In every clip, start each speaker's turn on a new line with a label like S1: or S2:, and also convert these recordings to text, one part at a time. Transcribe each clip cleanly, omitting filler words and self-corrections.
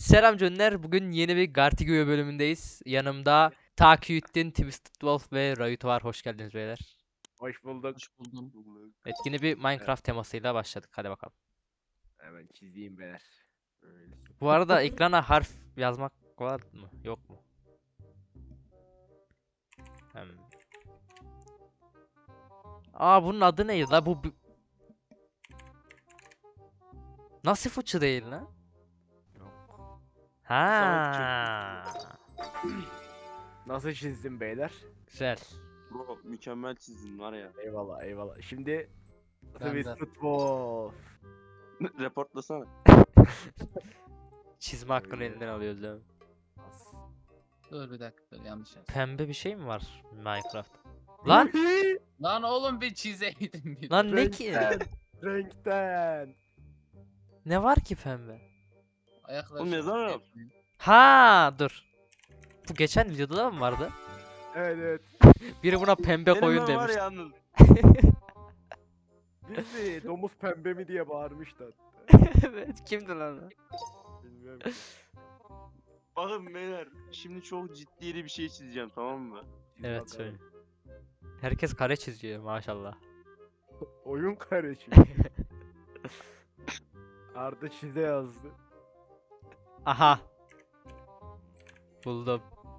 S1: Selam Cönler. Bugün yeni bir Gartigo'ya bölümündeyiz. Yanımda Takiyüddin, Twisted Wolf ve Rayut var. Hoş geldiniz beyler.
S2: Hoş bulduk.
S3: Hoş buldum.
S1: Evet, yeni bir Minecraft temasıyla başladık. Hadi bakalım.
S2: Hemen çizeyim beyler. Öyle.
S1: Bu arada ekrana harf yazmak var mı? Yok mu? Hmm. Bunun adı neydi la? Nasıl fıçı değil lan? Ha.
S2: Nasıl çizdim beyler?
S1: Güzel.
S3: Bro mükemmel çizdin var ya.
S2: Eyvallah eyvallah. Şimdi
S3: Ben de.
S2: Twisted Wolf.
S3: Reportlasana.
S1: Çizme hakkını elinden alıyoruz değil mi?
S4: Dur bir dakika dur yanlış yazdım.
S1: Pembe bir şey mi var Minecraft? Lan!
S4: Lan oğlum bir çizeydim bir.
S1: Lan ne ki?
S2: Renkten.
S1: Ne var ki pembe?
S4: Ayaklar
S3: Oğlum yazamıyorum.
S1: Ha dur. Bu geçen videoda da mı vardı?
S2: Evet evet.
S1: Biri buna pembe koyun
S3: Benim var
S1: demiş.
S3: ya Anıl.
S2: Biz de domuz pembe mi diye bağırmışlar.
S1: Evet, kimdi lan o?
S2: Bilmiyorum.
S3: Bakın beyler şimdi çok ciddi bir şey çizeceğim, tamam mı?
S2: Çiz
S1: Evet
S2: bakalım.
S1: söyle. Herkes kare çiziyor maşallah.
S2: Oyun kardeşim. Arda çize yazdı.
S1: Aha. Buldum.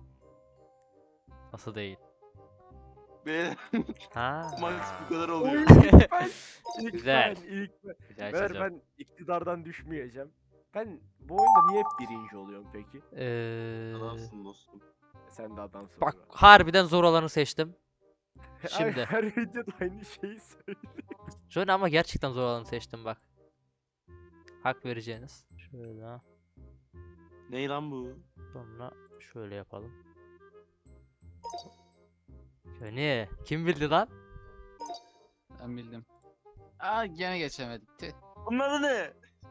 S1: Nasıl değil?
S3: Beyler
S1: Ha.
S3: Max bu kadar oluyor.
S2: İlk
S1: Güzel.
S2: ilk ben.
S1: Güzel
S2: Beyler
S1: çiziyorum.
S2: ben iktidardan düşmeyeceğim. Ben bu oyunda niye hep birinci oluyorum peki?
S3: Adamsın dostum.
S2: Sen de adamsın.
S1: Bak
S2: be.
S1: harbiden zor olanı seçtim.
S2: Ay,
S1: Şimdi.
S2: her videoda aynı şeyi söylüyor.
S1: Şöyle ama gerçekten zor olanı seçtim bak. Hak vereceğiniz. Şöyle.
S3: Ney lan bu?
S1: Sonra şöyle yapalım. Şöyle. Kim bildi lan?
S4: Ben bildim. Aa gene geçemedik. Tüh.
S3: Bunun adı ne?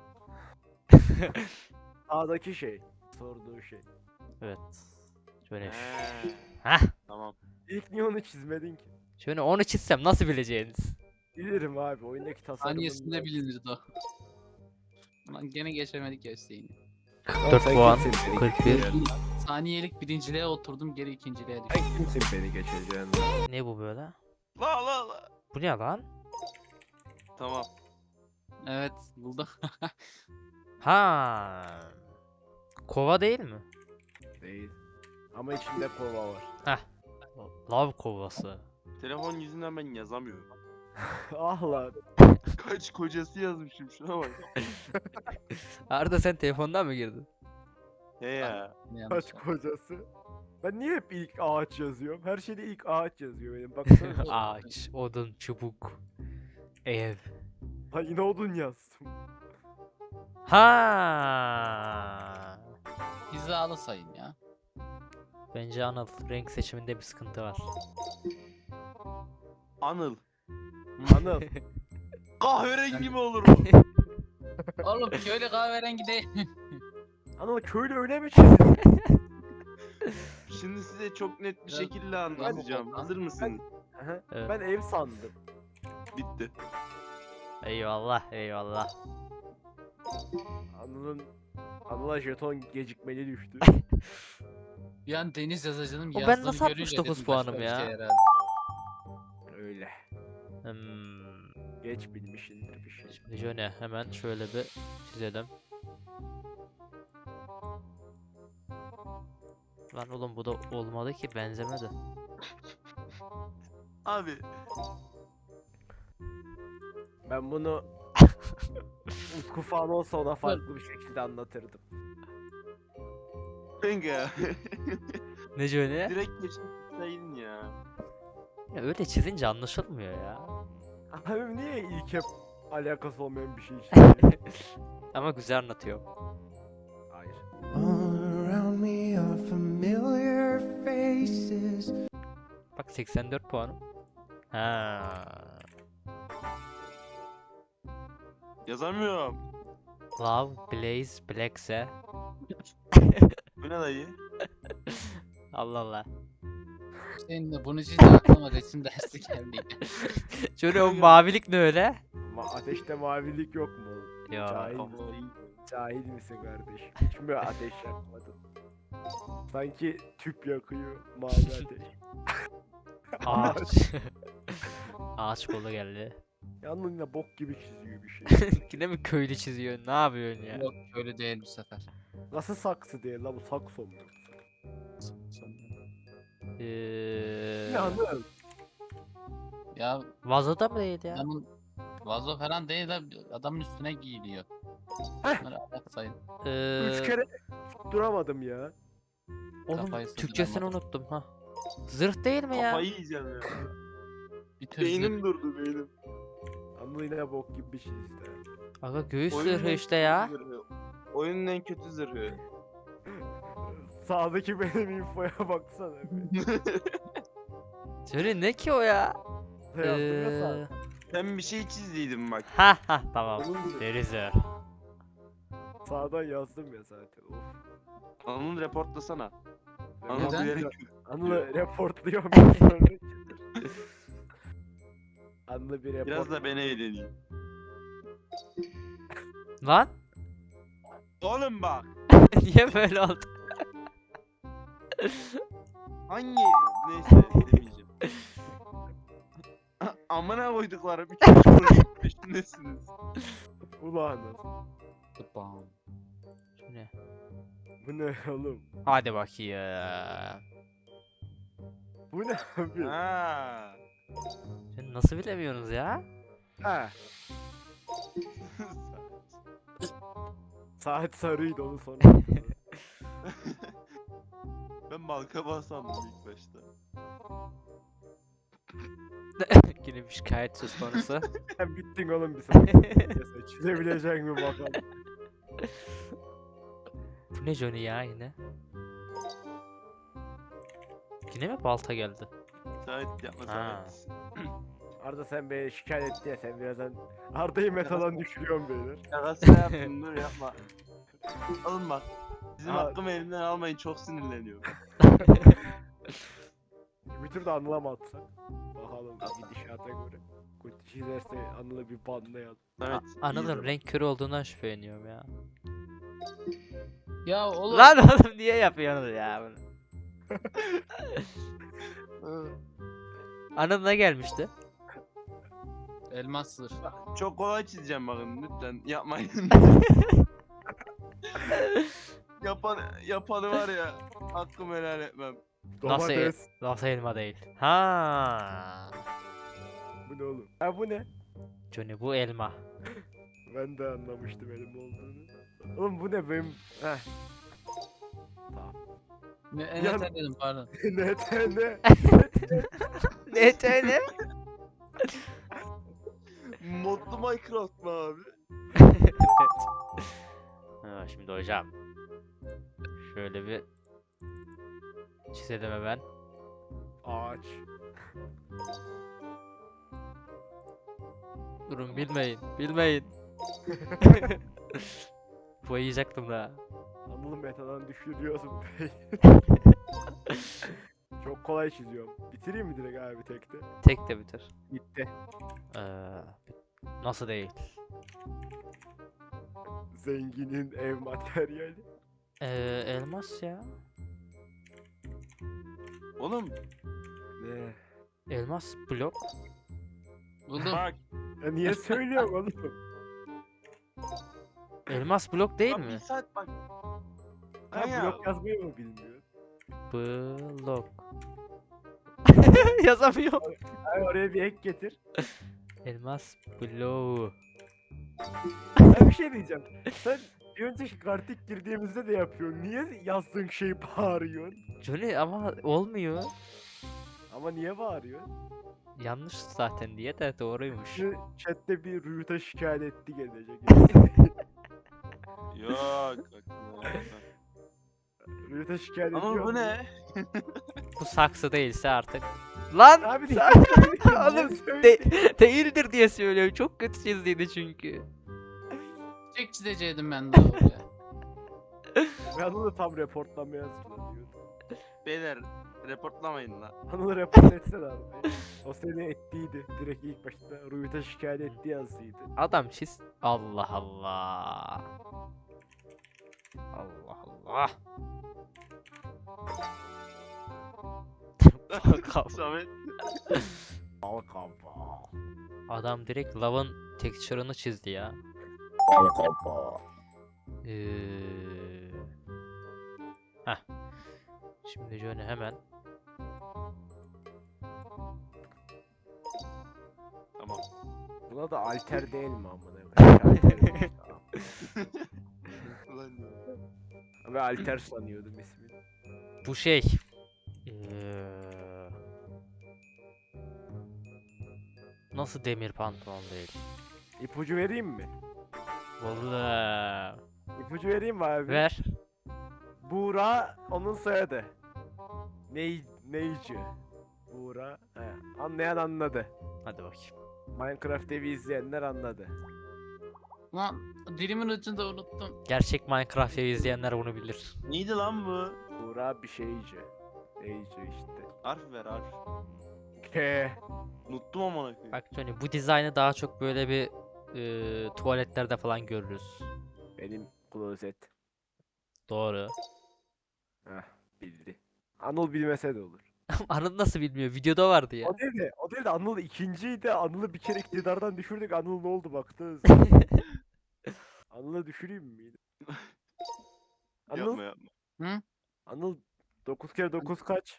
S2: Sağdaki şey. Sorduğu şey.
S1: Evet. Şöyle.
S3: He,
S1: Hah.
S3: tamam.
S2: İlk niye onu çizmedin ki?
S1: Şöyle onu çizsem nasıl bileceğiniz?
S2: Bilirim abi oyundaki tasarımın.
S4: Saniyesinde bilinirdi o. Lan gene geçemedik ya Hüseyin.
S1: 4 puan. 41.
S4: Saniyelik birinciliğe oturdum geri ikinciliğe düştüm.
S2: Sen kimsin beni geçeceğin?
S1: Ne bu böyle?
S3: La.
S1: Bu ne lan?
S3: Tamam.
S4: Evet buldum.
S1: Ha. Kova değil mi?
S2: Değil. Ama içinde kova var.
S1: Lav kovası.
S3: Telefon yüzünden ben yazamıyorum.
S2: Ah lan.
S3: Kaç kocası yazmışım, şuna bak.
S1: Arda sen telefondan mı girdin?
S3: He ya.
S4: Yanlış
S2: Kaç
S4: oldu.
S2: kocası? Ben niye hep ilk ağaç yazıyorum? Her şeyde ilk ağaç yazıyor benim. Baksana.
S1: Ağaç, odun, çubuk, ev.
S2: Ha yine odun yazdım.
S1: Ha.
S4: Hizalı sayın ya.
S1: Bence Anıl renk seçiminde bir sıkıntı var.
S3: Anıl.
S2: Anıl.
S3: Kahverengi mi olur bu?
S4: Oğlum köylü kahverengi değil.
S2: Anıl köylü öyle mi çizdin?
S3: Şimdi size çok net bir
S4: Ya,
S3: şekilde anlatacağım.
S4: ben-
S3: Hazır mısınız?
S2: Aha,
S1: Evet.
S2: Ben ev sandım.
S3: Bitti.
S1: Eyvallah, eyvallah.
S2: Anıl'a jeton gecikmeli düştü.
S4: Bir an deniz yazacağım
S1: O ben
S4: yazdığını
S1: nasıl
S4: görünce
S1: 69
S4: dedim
S1: puanım
S4: başka bir
S1: ya?
S4: şey herhalde.
S2: Öyle. Geç bilmişindir bir şey.
S1: Şimdi şöyle hemen şöyle bir çizelim. Lan oğlum bu da olmadı ki, benzemedi.
S3: Abi
S2: Ben bunu Utku falan olsa ona farklı bir şekilde anlatırdım.
S3: kanka.
S1: Ne şöyle?
S3: Direkt geçmişteydin ya.
S1: Ya öyle çizince anlaşılmıyor ya.
S2: Abi niye ilk hep alakası olmayan bir şey çiziyor?
S1: Ama güzel anlatıyor.
S2: Hayır.
S5: All around me are familiar faces.
S1: Bak 84 puanım. Ha.
S3: Yazamıyorum.
S1: Love, Blaze, Blackse.
S3: Bu ne dayı?
S1: Allah Allah.
S4: Senin de bunu çizince aklıma resim dersi geldi.
S1: Şöyle o mavilik ne öyle?
S2: Ateşte mavilik yok mu?
S1: Ya.
S2: Cahil.
S3: Kafayı.
S2: Cahil misin kardeş? Hiç mi ateş yakmadın? Sanki tüp yakıyor mavi ateş.
S1: Ağaç. Ağaç kolu geldi.
S2: Yalnız yine bok gibi çiziyor bir şey.
S1: Yine mi köylü çiziyor? Ne yapıyorsun ya?
S4: Yok öyle değil bu sefer.
S2: Nasıl saksı değil la bu sakso mu? Ne anladın?
S4: Ya
S1: Vazoda mı değil ya?
S4: adamın vazo falan değil de adamın üstüne giyiliyor.
S2: Heh.
S4: Bunları ayak sayın.
S2: 3 kere duramadım ya.
S1: Oğlum
S4: Kafayı
S1: Türkçesini
S4: sıyıramadım.
S1: unuttum ha. Zırh değil mi ya?
S3: Kafayı yiyeceğim ya.
S4: Bir tür
S3: Beynim durdu beynim.
S2: Anlı yine bok gibi bir şey işte.
S1: Aga göğüs
S3: Oyunun
S1: zırhı
S3: en
S1: işte
S3: kötü
S1: ya.
S3: zırhı. Oyunun en kötü zırhı.
S2: Sağdaki benim infoya baksana be.
S1: Söyle ne ki o ya?
S2: Yazdım ya sağ.
S3: Sen bir şey çizdiydin bak.
S1: Ha ha tamam.
S2: Onun gibi.
S1: Deri zırh.
S2: Sağdan yazdım ya zaten. Of.
S3: Anıl reportlasana. Anıl
S4: Neden?
S3: bilerek
S2: Anlı reportluyorum ben sonra. Anlı bir report.
S3: biraz da ben eğleneyim.
S1: Lan
S3: Oğlum bak.
S1: niye böyle oldu?
S3: Hangi neyse demeyeceğim. Amına koyduklarım 3 projenin peşindesiniz.
S2: Ulan nasıl?
S4: Bam.
S1: Şimdi,
S2: Bu ne oğlum?
S1: hadi bakayım.
S2: Bu ne abi?
S3: Ha.
S1: Şimdi nasıl bilemiyorsunuz ya?
S2: Ha. Saat sarıydı onu sonra.
S3: Ben balkaba sandım ilk başta.
S1: Yine bir şikayet söz konusu.
S2: Sen bittin oğlum bir saat. Neyse, çizebilecek mi bakalım.
S1: Bu ne Johnny ya yine? Yine mi balta geldi?
S3: Saat yapma
S1: Ha.
S3: saat.
S2: Arda sen beni şikayet etti ya sen birazdan Arda'yı metadan düşürüyorsun beyler.
S3: Şakasına yaptım dur yapma. Oğlum bak. Bizim
S2: Aa.
S3: hakkımı elimden almayın çok sinirleniyorum.
S2: Bir tur da Anıl'a mı atsak? Bakalım gidişata göre. Kötü çizerse Anıl'ı bir banlayalım.
S3: Evet.
S1: Anıl'ın renk körü olduğundan şüpheleniyorum ya.
S4: Ya oğlum.
S1: Lan oğlum niye yapıyorsunuz ya bunu? Anıl ne gelmişti?
S4: Elmas zırh.
S3: Çok kolay çizeceğim bakın lütfen yapmayın. Yapanı var ya hakkımı helal etmem.
S1: Nasıl
S2: Domates.
S1: Nasıl elma değil? Ha.
S2: Bu ne oğlum? Ha bu ne?
S1: Johnny bu elma.
S2: Ben de anlamıştım elim olduğunu. Oğlum bu ne benim? Heh. Tamam.
S4: Ne,
S2: Ya-
S4: ne dedim pardon.
S2: ne?
S1: Ne?
S3: Modlu Minecraft mı abi?
S1: Evet. Ha, şimdi hocam. Şöyle bir çizelim hemen.
S2: Ağaç.
S1: Durun bilmeyin. Boyayacaktım da.
S2: Anıl'ı metadan düşürüyorsun bey. Çok kolay çiziyorum. Bitireyim mi direkt abi tekte?
S1: Tek de bitir.
S2: Bitti.
S1: Nasıl değil?
S2: Zenginin ev materyali.
S1: Elmas ya.
S3: Oğlum
S2: Ne?
S1: Elmas blok.
S4: Buldum.
S3: bak.
S2: Ya niye söylüyorum oğlum?
S1: Elmas blok değil
S3: bak
S1: mi?
S3: Bir saat bak.
S2: Ha
S3: Kanka,
S2: blok yazmayı mı bilmiyor?
S1: Blok. Yazamıyorum.
S2: Ay oraya bir ek getir.
S1: Elmas bloğu.
S2: Ben bir şey diyeceğim. Sen bir önceki kartik girdiğimizde de yapıyorsun. Niye yazdığın şeyi bağırıyorsun?
S1: Johnny ama olmuyor.
S2: Ama niye bağırıyorsun?
S1: Yanlış zaten diye de doğruymuş.
S2: Şu chatte bir Rüyut'a şikayet etti gelecek.
S3: Yok. aklıma gelmedi.
S2: Rüyut'a şikayet ediyor.
S3: Ama bu
S2: mu?
S3: ne?
S1: Bu saksı değilse artık. Lan!
S2: Abi niye
S1: Oğlum
S2: söylüyorsun?
S1: değildir diye söylüyorum. Çok kötü çizdiydi çünkü.
S4: Çek çizeceydim ben daha oraya.
S2: Ben onu tam reportlamaya hazırlanıyordum.
S3: Beyler reportlamayın la.
S2: Anıl'ı report etsene abi. O seni ettiydi. Direkt ilk başta Rüyut'a şikayet etti yazıydı.
S1: Adam çiz. Allah Allah. Allah Allah. Kafa.
S3: Samet.
S2: Al kafa.
S1: Adam direkt lavın texture'ını çizdi ya.
S2: Al kafa.
S1: Heh. Şimdi Johnny hemen
S3: Tamam.
S2: Buna da alter değil mi amına koyayım?
S3: Ulan ya.
S2: Ve alter sanıyordum ismini.
S1: bu şey nasıl demir pantolon değil?
S2: İpucu vereyim mi?
S1: Vallahi.
S2: İpucu vereyim mi abi?
S1: Ver.
S2: Buğra onun soyadı. Neyci. Buğra. He. Anlayan anladı.
S1: Hadi bakayım.
S2: Minecraft evi izleyenler anladı.
S4: Lan dilimin ucunda unuttum.
S1: Gerçek Minecraft evi izleyenler bunu bilir.
S3: Neydi lan bu?
S2: Buğra bir şeyci. Neyci işte.
S3: Harf ver harf.
S2: K.
S3: Unuttum amına koyayım.
S1: Bak Johnny bu dizaynı daha çok böyle bir tuvaletlerde falan görürüz.
S2: Benim klozet.
S1: Doğru.
S2: Heh, bildi. Anıl bilmese de olur.
S1: Anıl nasıl bilmiyor? Videoda vardı ya.
S2: O değil de Anıl ikinciydi. Anıl'ı bir kere iktidardan düşürdük. Anıl ne oldu baktınız. Anıl'ı düşüreyim mi? Anıl,
S3: Yapma yapma.
S2: Anıl 9 kere 9 kaç?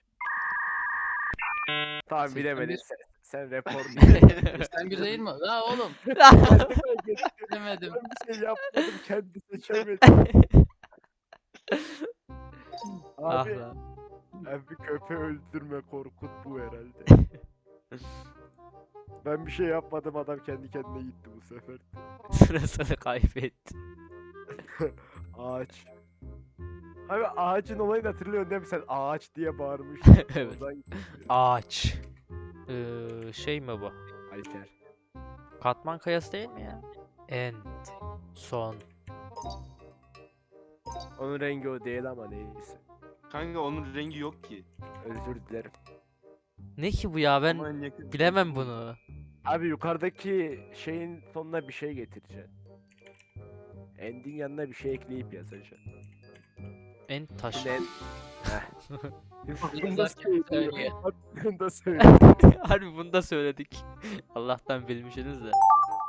S2: Tamam
S4: 81.
S2: bilemedin. Sen rapor
S4: Sen bir değil mi? La oğlum. Demedim.
S2: Ben bir şey yapmadım. Kendi seçemedi.
S1: Ah
S2: Abi,
S1: lan.
S2: abi köpeği öldürme korkut bu herhalde. Ben bir şey yapmadım adam kendi kendine gitti bu sefer.
S1: Sırasını kaybetti.
S2: Ağaç. Abi ağacın olayını hatırlıyorsun değil mi sen? Ağaç diye bağırmıştın.
S1: Evet.
S2: Oradan gitti.
S1: Ağaç. Şey mi bu?
S2: Alter.
S1: Katman kayası değil mi ya? End. Son.
S2: Onun rengi o değil ama neyse.
S3: Kanka onun rengi yok ki.
S2: Özür dilerim.
S1: Ne ki bu ya, ben
S3: Ama en yakın-
S1: bilemem bunu.
S2: Abi yukarıdaki şeyin sonuna bir şey getireceksin. End'in yanına bir şey ekleyip yazacaksın.
S1: End taş.
S2: Şimdi en...
S4: Bunu da söylüyor.
S2: Bunu da söyle.
S1: Harbi bunu da söyledik. Allah'tan bilmişsiniz de.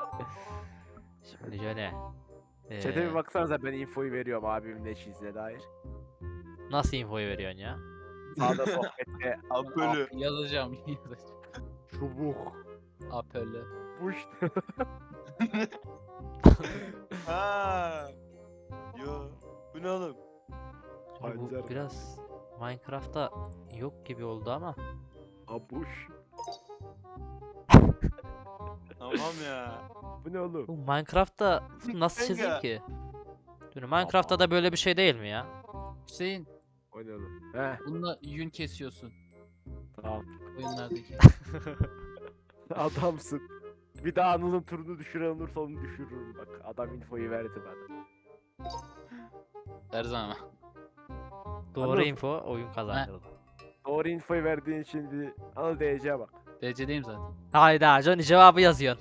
S1: Şimdi Johnny.
S2: Chat'e bir baksanıza ben infoyu veriyorum abimin ne çizdiğine dair.
S1: Nasıl infoyu veriyorsun ya?
S2: Sağda sohbette
S3: Apölü.
S4: Yazacağım.
S2: çubuk.
S4: Apelle.
S2: Bu işte.
S3: Ha. Yo. Bu ne oğlum?
S1: Şimdi bu
S2: Pancar.
S1: biraz Minecraft'ta yok gibi oldu ama.
S2: Abuş.
S3: Tamam ya.
S2: Bu ne oğlum?
S1: Bu Minecraft'ta nasıl çizeyim
S3: Kanka.
S1: ki? Dur, Minecraft'ta da böyle bir şey değil mi ya?
S4: Hüseyin,
S2: O ne oğlum? Heh
S4: bununla yün kesiyorsun
S2: tamam.
S4: oyunlardaki.
S2: Adamsın. Bir daha Anıl'ın turunu düşüren olursa onu düşürürüm bak. Adam infoyu verdi bana.
S4: Her zaman.
S1: Doğru
S2: Anladım.
S1: info oyun kazandırdı.
S2: Doğru infoyu verdiğin için bir Anıl DC'ye bak.
S4: DC'deyim zaten.
S1: Hayda Johnny cevabı yazıyorsun.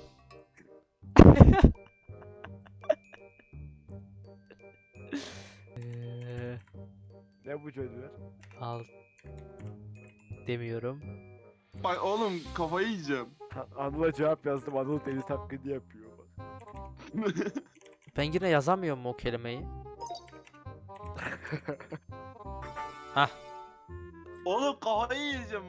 S2: Ne bu çocuklar?
S1: Al demiyorum.
S3: Bak oğlum kafayı yiyeceğim.
S2: Anıl'a cevap yazdım. Anıl deli taklidi yapıyor bak.
S1: Ben yine yazamıyorum o kelimeyi. Hah.
S3: Oğlum kafayı yiyeceğim.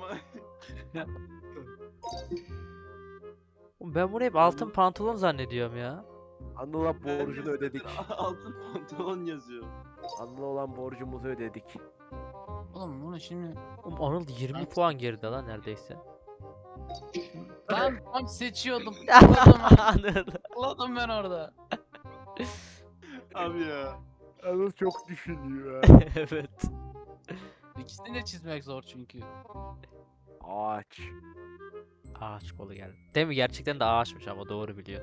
S1: Oğlum ben bunu hep altın pantolon zannediyorum ya.
S2: Anıl'a borcunu ödedik.
S3: Altın pantolon yazıyor.
S2: Anıl'a olan borcumuzu ödedik.
S4: Oğlum bunu şimdi...
S1: Oğlum Anıl 20 puan geride lan neredeyse.
S4: Ben tam seçiyordum. Tıkladım ben orada.
S3: Abi ya.
S2: Anıl çok düşünüyor ha.
S1: Evet.
S4: İkisini de çizmek zor çünkü.
S2: Ağaç.
S1: Ağaç kolu geldi. Değil mi? Gerçekten de ağaçmış ama doğru biliyor.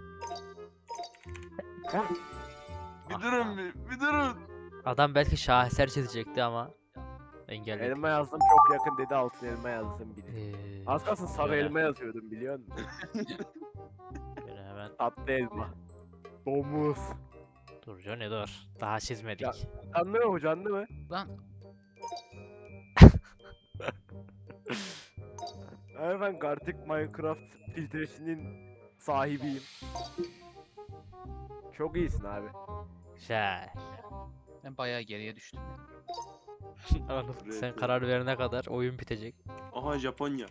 S3: Bir
S1: Ah
S3: durun
S1: lan.
S3: bir durun.
S1: Adam belki şaheser çizecekti ama engelledi.
S2: Elma yazdım çok yakın dedi altın elma yazdım bile. Az kalsın sarı
S1: şöyle-
S2: elma yazıyordum biliyor musun?
S1: şöyle hemen
S2: Tatlı elma. Domuz.
S1: Dur Johnny dur. Daha çizmedik.
S2: Ya- Canlı mı bu, canlı mı?
S4: Lan
S2: Abi ben Gartic Minecraft filtresinin sahibiyim. Çok iyisin abi.
S1: Güzel.
S4: ben bayağı geriye düştüm.
S1: Anıl, sen
S3: Evet.
S1: karar verene kadar oyun bitecek.
S3: Aha Japonya.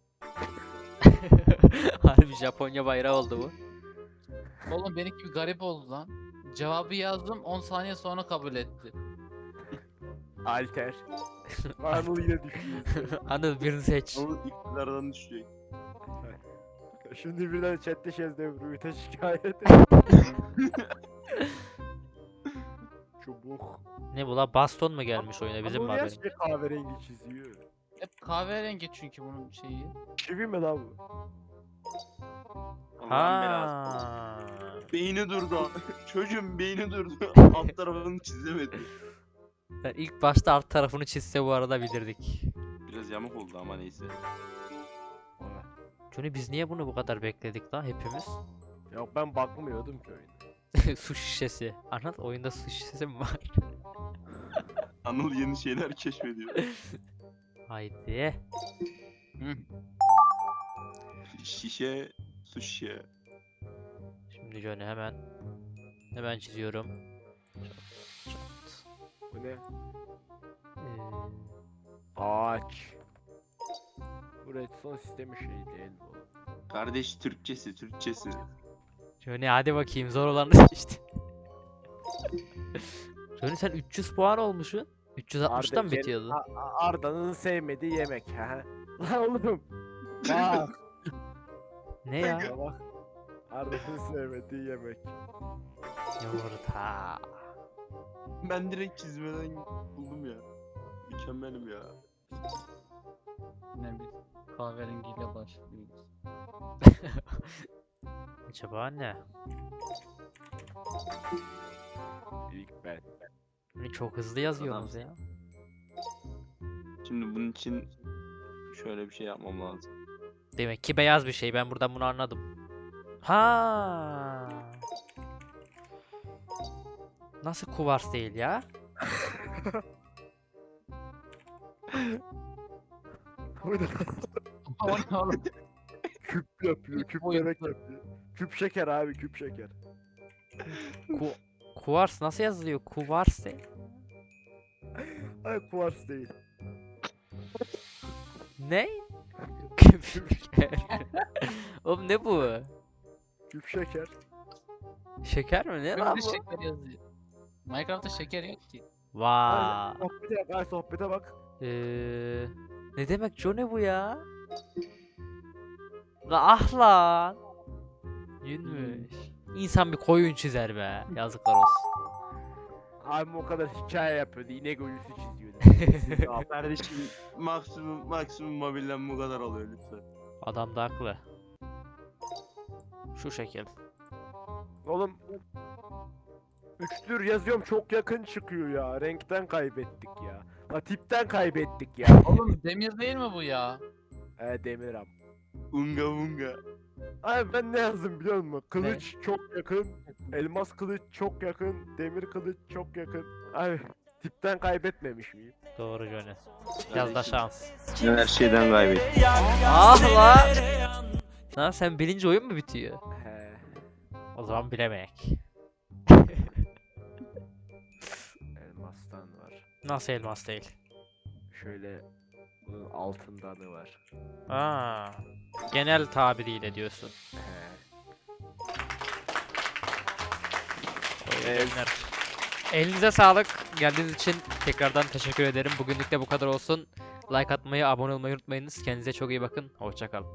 S1: Harbi Japonya bayrağı oldu bu.
S4: Oğlum benimki bir garip oldu lan. Cevabı yazdım 10 saniye sonra kabul etti.
S2: Alter. Anıl yine düşüyor.
S1: Anıl birini seç.
S3: Onun iktidardan düşecek.
S2: Şimdi birden chatte Rüyüte şikayet et. Çubuk.
S1: Ne bu la? Baston mu gelmiş oyuna? Bizim mi
S2: Anıl niye
S1: haberimiz?
S2: sürekli kahverengi çiziyor?
S4: Hep kahverengi çünkü bunun şeyi.
S2: Çivi mi lan bu?
S3: Allah'ın belası.
S1: Ha.
S3: Beyni durdu. Çocuğun beyni durdu. Alt tarafını çizemedi.
S1: Ben ilk başta alt tarafını çizse bu arada bilirdik.
S3: Biraz yamuk oldu ama neyse.
S1: Johnny biz niye bunu bu kadar bekledik la hepimiz?
S2: Yok ben bakmıyordum ki oyuna.
S1: Su şişesi. Anıl oyunda su şişesi mi var?
S3: Anıl yeni şeyler keşfediyor.
S1: Haydi.
S4: Hı.
S3: Şişe, su şişe.
S1: Şimdi Johnny hemen çiziyorum. Çat.
S2: Bu ne?
S1: Ee,
S2: Ağaç. Bu redstone sistemi şey değil mi oğlum?
S3: Kardeş Türkçesi.
S1: Johnny hadi bakayım zor olanı seçti. Johnny sen 300 puan olmuşsun. 360'dan mı
S2: Arda-
S1: bitiyordu?
S2: Arda'nın sevmediği yemek. Ha. Lan oğlum. Bak.
S1: Ne ya?
S2: Bak. Arda'nın sevmediği yemek.
S1: Yumurta.
S3: Ben direkt çizmeden buldum ya. Mükemmelim ya.
S4: Ne biz kahverengiyle başlıyoruz.
S1: Acaba ne?
S2: İlk ben.
S1: Johnny çok hızlı yazıyorsunuz ya.
S3: Şimdi bunun için şöyle bir şey yapmam lazım.
S1: Demek ki beyaz bir şey. Ben buradan bunu anladım. Ha. Nasıl kuvars değil ya?
S2: Bu ne?
S4: O ne oğlum?
S2: Küp yapıyor. Küp
S4: boyutlu.
S2: börek yapıyor. Küp şeker abi, küp şeker.
S1: Kuvars nasıl yazılıyor? Kuvars değil.
S2: Ay kuvars değil.
S1: Ne? Oğlum ne bu?
S2: Küp şeker.
S1: Şeker mi? Ne lan
S4: Böyle
S1: bu?
S4: şeker yazıyor. Minecraft'ta şeker yok ki.
S1: Vay.
S2: Sohbete bak, ay sohbete bak.
S1: Ne demek Johnny bu ya? La ah lan. Yünmüş. İnsan bir koyun çizer be. Yazıklar olsun.
S2: Abim o kadar hikaye yapıyordu. İnek ölüsü çiziyordu. Abi,
S3: Kardeşim maksimum mobilden bu kadar oluyor lütfen.
S1: Adam da haklı. Şu şekil.
S2: Oğlum. Üçtür yazıyorum, çok yakın çıkıyor ya. Renkten kaybettik ya. La tipten kaybettik ya.
S4: Oğlum demir değil mi bu ya?
S2: Demir abi.
S3: Unga unga.
S2: Abi ben ne yazdım biliyor musun? Kılıç çok yakın. Elmas kılıç çok yakın. Demir kılıç çok yakın. Abi tipten kaybetmemiş miyim?
S1: Doğru Johnny. Biraz da şans.
S3: Her şeyden kaybettim.
S1: Ah lan. Lan sen bilince oyun mu bitiyor?
S2: He.
S1: O zaman bilemek.
S2: Elmastan var.
S1: Nasıl elmas değil?
S2: Şöyle bunun altındanı var.
S1: Aa, genel tabiriyle diyorsun.
S2: He.
S1: Evet. Elinize sağlık. Geldiğiniz için tekrardan teşekkür ederim. Bugünlük de bu kadar olsun. Like atmayı, abone olmayı unutmayınız. Kendinize çok iyi bakın. Hoşça kalın.